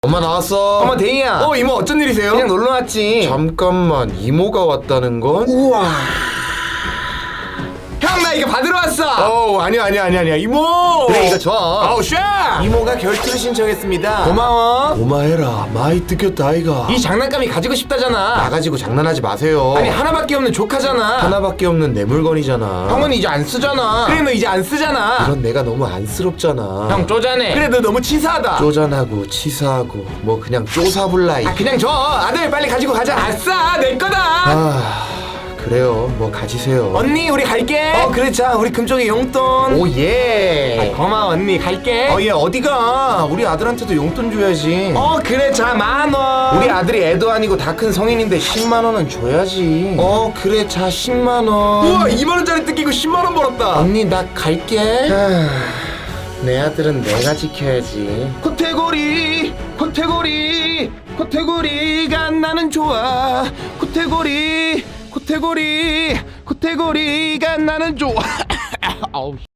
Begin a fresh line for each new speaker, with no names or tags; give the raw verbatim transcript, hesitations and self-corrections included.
엄마 나왔어.
어머 데이야.
어 이모 어쩐 일이세요?
그냥 놀러 왔지.
잠깐만 이모가 왔다는 건?
우와. 형 나 이거 받으러 왔어.
어우 아니야 아니야 아니야 아니야 이모.
그래 이거 줘.
아우 샤.
이모가 결투를 신청했습니다. 고마워.
고마해라 많이 뜯겼다 아이가.
이 장난감이 가지고 싶다잖아.
나가지고 장난하지 마세요.
아니 하나밖에 없는 조카잖아.
하나밖에 없는 내 물건이잖아.
형은 이제 안 쓰잖아. 그래 너 이제 안 쓰잖아.
그런 내가 너무 안쓰럽잖아.
형 쪼잔해. 그래 너 너무 치사하다.
쪼잔하고 치사하고 뭐 그냥 쪼사불라이.
아 그냥 줘. 아들 빨리 가지고 가자. 아싸 내 거다.
아 그래요 뭐 가지세요.
언니 우리 갈게. 어 그래 자 우리 금쪽이 용돈.
오예.
아, 고마워 언니 갈게.
어 얘 어디가? 우리 아들한테도 용돈 줘야지.
어 그래 자 만원.
우리 아들이 애도 아니고 다 큰 성인인데 십만 원은 줘야지.
어 그래 자 십만 원.
우와 이만 원짜리 뜯기고 십만 원 벌었다.
언니 나 갈게.
아, 내 아들은 내가 지켜야지.
코테고리 코테고리 코테고리가 나는 좋아. 코테고리 코테고리 코테고리가 나는 좋아. 아우